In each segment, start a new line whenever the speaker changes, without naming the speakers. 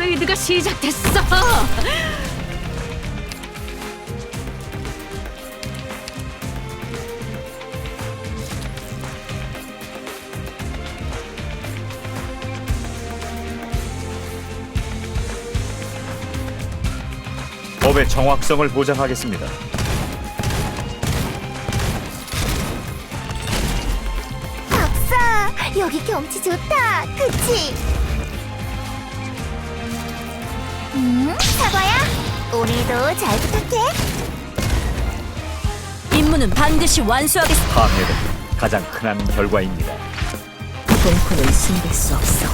퍼레이드가 시작됐어.
법의 정확성을 보장하겠습니다.
박사, 여기 경치 좋다. 그치? 사과야, 오늘도 잘 부탁해.
임무는 반드시 완수하겠습니다.
파멸은 가장 흔한 결과입니다.
공포는 숨길 수 없어.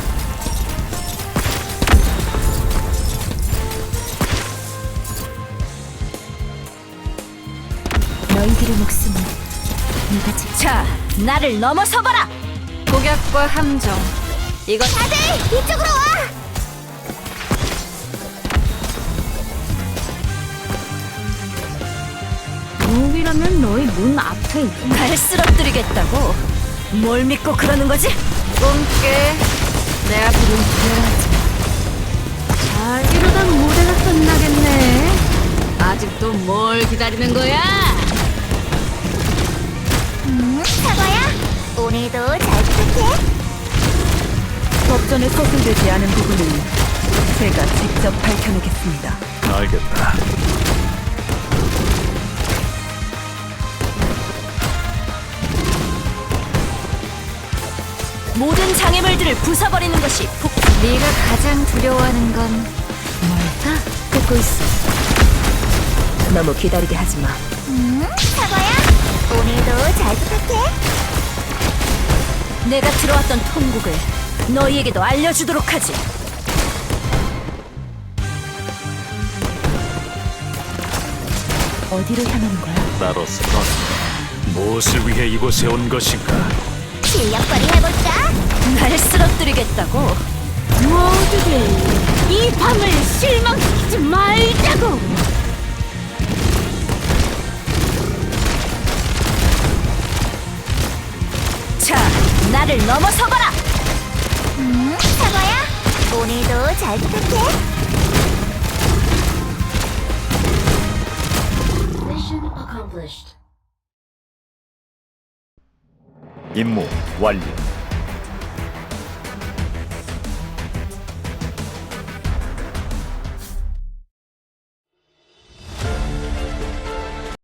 너희들의 목숨은 네가 자, 나를 넘어서봐라. 고객과 함정. 이건
다들 이쪽으로 와.
무기라면 너희 눈 앞에 날 쓰러뜨리겠다고. 뭘 믿고 그러는 거지? 꿈깨. 내 앞으로 일어나지 마. 잘 이러다 무대가 끝나겠네. 아직도 뭘 기다리는 거야?
사과야, 오늘도 잘 부탁해.
법전에 서술되지 않은 부분은 제가 직접 밝혀내겠습니다.
알겠다.
모든 장애물들을 부숴버리는 것이 네가 가장 두려워하는 건 뭘까? 듣고 있어. 너무 기다리게 하지 마.
사과야, 오늘도 잘 부탁해.
내가 들어왔던 통곡을 너희에게도 알려주도록 하지. 어디로 향하는 거야?
나로서 넌 무엇을 위해 이곳에 온 것인가?
실력 발휘해볼까?
날 쓰러뜨리겠다고. 모두들 이 밤을 실망시키지 말자고. 자, 나를 넘어서봐라.
사과야, 오늘도 잘 부탁해.
임무 완료.